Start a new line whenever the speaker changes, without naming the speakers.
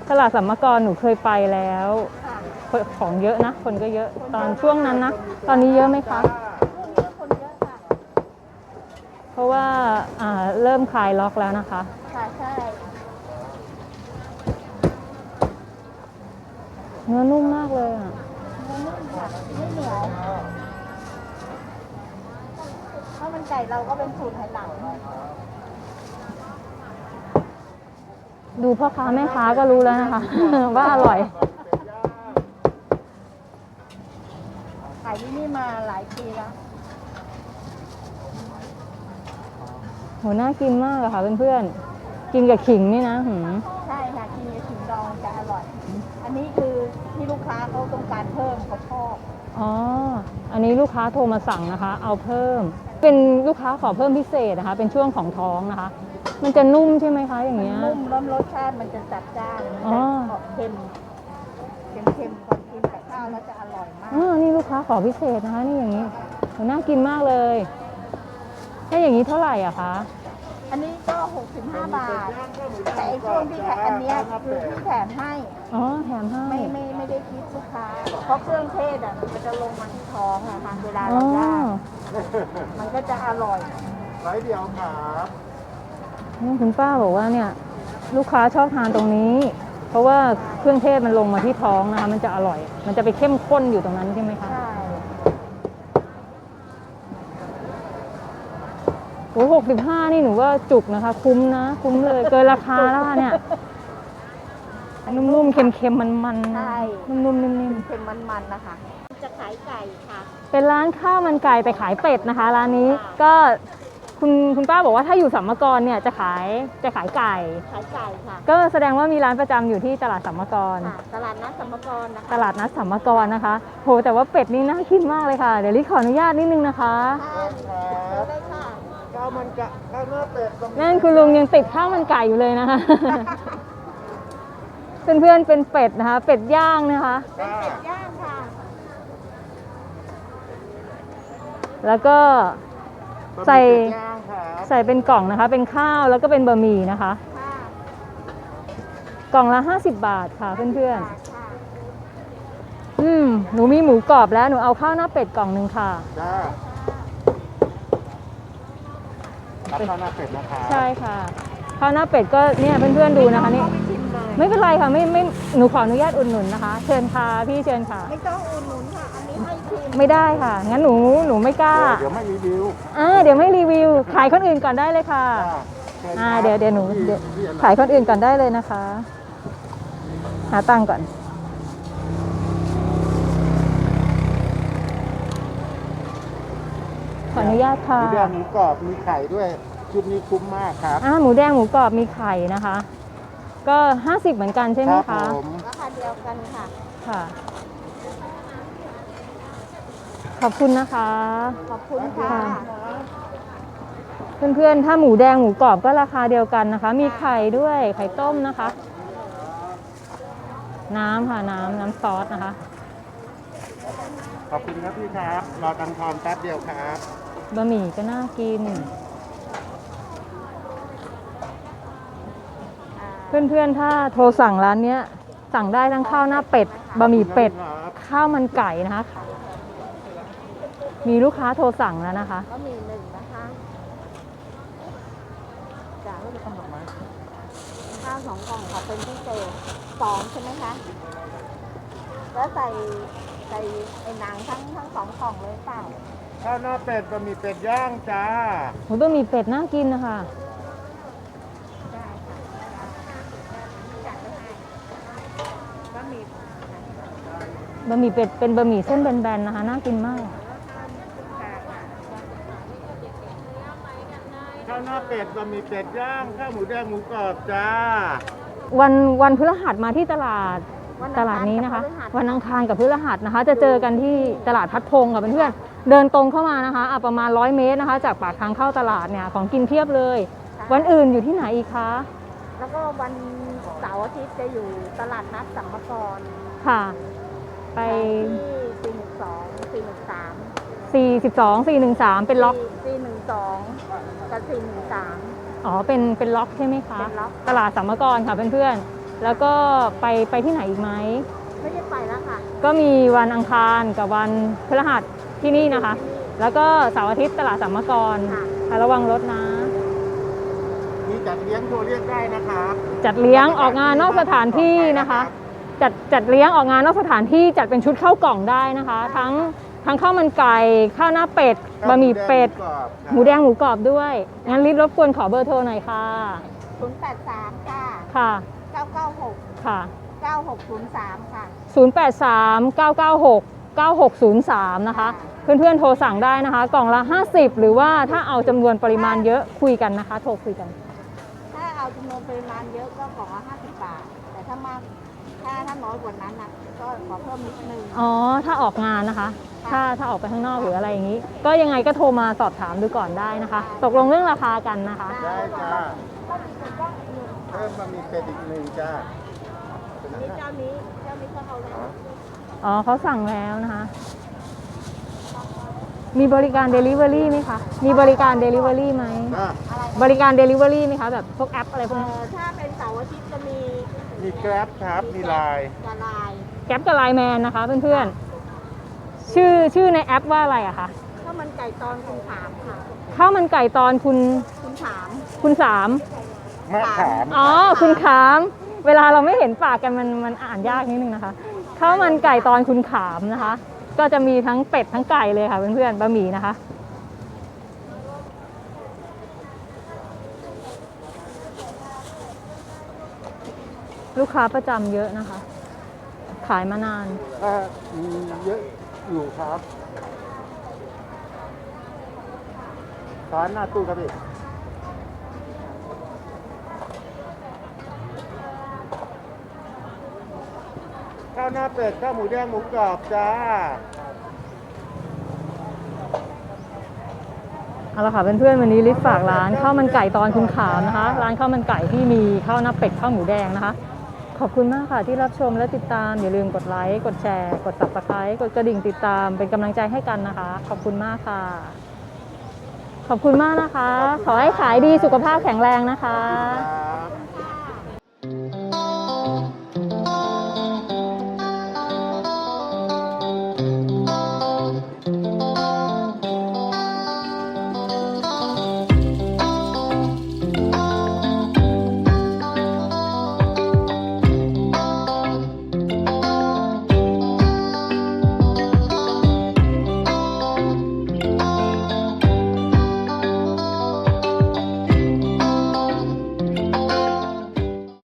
ตลาดสัมมกรหนูเคยไปแล้วของเยอะนะคนก็เยอะตอนช่วงนั้นนะตอนนี้เยอะไหมคะ
คนเยอะค่ะ
เพราะว่าเริ่มคลายล็อกแล้วนะคะ
ค่ะใช่
เนื้อนุ่มมากเลยอ่ะ
มันนุ่มค่ะไม่เหนียวข้าวมันไก่เราก็เป็นสูตรไหหลัง
ดูพ่อค้าแม่ค้าก็รู้แล้วนะคะ ว่าอร่อย
ขายที่นี่มาหลายปีแล้ว
โหน่ากินมากอะค่ะเพื่อนๆกินกับขิงนี่นะ
ใช่ค่ะกินกับขิงดองจะอร่อยอันนี้คือที่ลูกค้าเขาต้องการเพิ่มเขาชอบ
อ๋ออันนี้ลูกค้าโทรมาสั่งนะคะเอาเพิ่มเป็นลูกค้าขอเพิ่มพิเศษนะคะเป็นช่วงของท้องนะคะมันจะนุ่มใช่ไหมคะอย่างเงี้ย
นุ่มแล้วรสชาติมันจะจัดจ้านมันจะออกเค็มก่อนกินกับข้าวแล้วจะอร่อยมาก
นี่ลูกค้าขอพิเศษนะคะนี่อย่างนี้น่ากินมากเลยถ้าอย่างนี้เท่าไหร่อะคะ
อันนี้ก็65 บาทแต่ไอ้ช่วงที่อันนี้คือที่แถมให้
อ๋อแถมให้
ไม่ได้คิดลูกค้าเพราะเครื่องเทศอ่ะมันจะลงมาที่ท้องอะค่ะเวลาเราย่างมันก็จะอร่อย
ไร้เดียวครับ
คุณป้าบอกว่าเนี่ยลูกค้าชอบทานตรงนี้เพราะว่าเครื่องเทศมันลงมาที่ท้องนะคะมันจะอร่อยมันจะไปเข้มข้นอยู่ตรงนั้นใช่ไหมคะ
ใช่
โอ้65นี่หนูว่าจุกนะคะคุ้มนะคุ้มเลยเกินราคาแล้วเนี่ยนุ่มๆเค็มๆมันๆ
ใช่
นุ่มๆนิ่ม
ๆเค็มมันๆนะคะจะขายไก่ค่ะ
เป็นร้านข้าวมันไก่แต่ขายเป็ดนะคะร้านนี้ก็คุณป้าบอกว่าถ้าอยู่สัมมกรเนี่ยจะขายไก่
ค่ะ
ก็แสดงว่ามีร้านประจำอยู่ที่ตลาดสัมมกร
ตลาดนัดสัมมกรนะคะ
ตลาดนัดสัมมกรนะคะโหแต่ว่าเป็ดนี่น่ากินมากเลยค่ะเดี๋ยวลิขออนุญาตนิดนึงนะคะ
ได้ค่ะ
ข้าวมันกะข้าวเนื้อเป็ด
นั่นคุณลุงยังติดข้าวมันไก่อยู่เลยนะคะเพื่อนๆเป็นเป็ดนะคะเป็ดย่างนะคะ
เป็นเป็ดย่างค่ะ
แล้วก็ใส่เป็นกล่องนะคะเป็นข้าวแล้วก็เป็นบะหมี่นะคะกล่องละ50 บาทค่ะเพื่อนๆหนูมีหมูกรอบแล้วหนูเอาข้าวหน้าเป็ดกล่องหนึ่งค่ะ
รับข้าวหน้าเป็ดนะคะ
ใช่ค่ะข้าวหน้าเป็ดก็เนี่ยเพื่อนๆดูนะคะนี่ไม่เป็นไรค่ะไม่หนูขออนุญาตอุดหนุนนะคะเชิญค่ะพี่เชิญค่ะ
ไม่ต้องอุดหนุนค่ะอันนี้ให้ชิม
ไม่ได้ค่ะงั้นหนูไม่กล้า
เดี๋ยวไม่รีวิว
เดี๋ยวไม่รีวิวขายคนอื่นก่อนได้เลยค่ะเดี๋ยวหนูขายคนอื่นก่อนได้เลยนะคะหาตังค์ก่อนขออนุญาตค่ะ
หมูแดงหมูกรอบมีไข่ด้วยชุดนี้คุ้มมากครับ
หมูแดงหมูกรอบมีไข่นะคะก็50เหมือนกันใช่ไหมคะ
ราคาเดียวกันค่ะ
ค่ะขอบคุณนะคะ
ขอบคุณค่ะ
เพื่อนๆถ้าหมูแดงหมูกรอบก็ราคาเดียวกันนะคะมีไข่ด้วยไข่ต้มนะคะน้ำค่ะน้ำซอสนะคะ
ขอบคุณครับพี่ครับรอตังทอนแป๊บเดียวครับ
บะหมี่ก็น่ากินเพื่อนๆถ้าโทรสั่งร้านนี้สั่งได้ทั้งข้าวหน้าเป็ดบะหมี่เป็ดข้าวมันไก่นะคะมีลูกค้าโทรสั่งแล้วนะคะ
บะหมี่1นะคะจ่ายไม่ต้องดอกไม้ข้าว2 กล่องค่ะเป็นพิเศษ2ใช่ไหมคะแล้วใส่ไอ้หนังทั้ง2 กล่องเลยเปล่า
ข้าวหน้าเป็ดบะหมี่เป็ดย่างจ้า
บะหมี่เป็ดน่ากินนะคะบะหมี่เป็ดเป็นบะหมี่เส้นแบนๆนะคะน่ากินมาก
ข้าวหน้าเป็ดบะหมี่เป็ดย่างข้าวหมูแดงหมูกรอบจ้า
วันพฤหัสมาที่ตลาดนี้นะคะวันอังคารกับพฤหัสนะคะจะเจอกันที่ตลาดพัดพงค่ะเพื่อนๆเดินตรงเข้ามานะคะประมาณ100 เมตรนะคะจากปากทางเข้าตลาดเนี่ยของกินเพียบเลยวันอื่นอยู่ที่ไหนอีกคะ
แล้วก็วันเสาร์อาทิตย์จะอยู่ตลาดนัดสัมมกร
ค่ะไป
ที่412
413เป็นล็อก
412กับ413
อ๋อเป็นล็อกใช่ไหมคะตลาดสัมมกรค่ะเพื่อนๆแล้วก็ไปที่ไหนอีกไหม
ไม่ได้ไปแล้วค่ะ
ก็มีวันอังคารกับวันพฤหัสที่นี่นะคะ แล้วก็เสาร์อาทิตย์ตลาดสัมมกร
ค่ะ
ค่ะระวังรถนะ
มีจัดเลี้ยงโทรเรียกได้นะครับ
จัดเลี้ยงออกงานนอกสถานที่นะคะ จัดเลี้ยงออกงานนอกสถานที่จัดเป็นชุดข้าวกล่องได้นะคะ ทั้งข้าวมันไก่ข้าวหน้าเป็ดบะหมี่เป็ดหมูแดงหมูกรอบด้วยงั้นรีบรบกวนขอเบอร์โทรหน่อยค่ะ
083 ค่ะ
ค่ะ
996
ค่ะ
9603 ค่ะ
083 996 9603 นะคะ เพื่อนๆโทรสั่งได้นะคะ กล่องละ 50 หรือว่าถ้าเอาจำนวนปริมาณเยอะคุยกันนะคะ โทรคุยกัน
ถ้าเอาจำนวนปริมาณเยอะก็กล่องละ50 บาท แต่ถ้ามากถ้าน้อยกว่านั้นนะก็ขอเพิ่มนิดนึง
อ๋อ ถ้าออกงานนะคะ ถ้าออกไปข้างนอกหรืออะไรอย่างนี้ ก็ยังไงก็โทรมาสอบถามดูก่อนได้นะคะ ตกลงเรื่องราคากันนะคะ
ได้จ้า
ก็มีเป็นกล้องอีกหนึ่ง
เพิ่มมามีเป็ดอีกหนึ่งจ้า
นี่เจ้านี้ก็เอาแล้ว
อ๋อเขาสั่งแล้วนะคะ มีบริการ Delivery ไหมคะ มีบริการ Delivery ไหม
จ้า
อะไร
บริการ Delivery ไหมคะ แบบพวกแอปอะไรพวกนี้
ถ้าเป็นเสาร์อาทิตย์จะมี
มีแกร็บครับ มีไลน์
กระลาย
แก๊ปกับไลน์แมนนะคะเพื่อนๆ ชื่อในแอปว่าอะไรอะคะ
ข้าวมันไก่ตอนคุณถามค่ะ
ข้าวมันไก่ตอนคุณ
คุณถาม
คุณสาม
มะขาม
อ๋อ คุณขาม เวลาเราไม่เห็นปากกันมันอ่านยากนิดนึงนะคะ ข้าวมันไก่ตอนคุณขามนะคะ ก็จะมีทั้งเป็ดทั้งไก่เลยค่ะเพื่อนๆ บะหมี่นะคะ ลูกค้าประจำเยอะนะคะ ขายมานาน
มีเยอะอยู่ครับร้านหน้าตู้ครับพี่ข้าวหน้าเป็ดข้าวหมูแดงหมูกรอบจ้า
เอาละค่ะเพื่อนๆวันนี้ลิศฝากร้านข้าวมันไก่ตอนคุณขามนะคะ ร้านข้าวมันไก่ที่มีข้าวหน้าเป็ดข้าวหมูแดงนะคะ ขอบคุณมากค่ะที่รับชมและติดตามอย่าลืมกดไลค์กดแชร์กด Subscribe กดกระดิ่งติดตามเป็นกำลังใจให้กันนะคะ ขอบคุณมากค่ะ ขอบคุณมากนะคะ ขอให้ขายดีสุขภาพแข็งแรงนะคะ
ครับ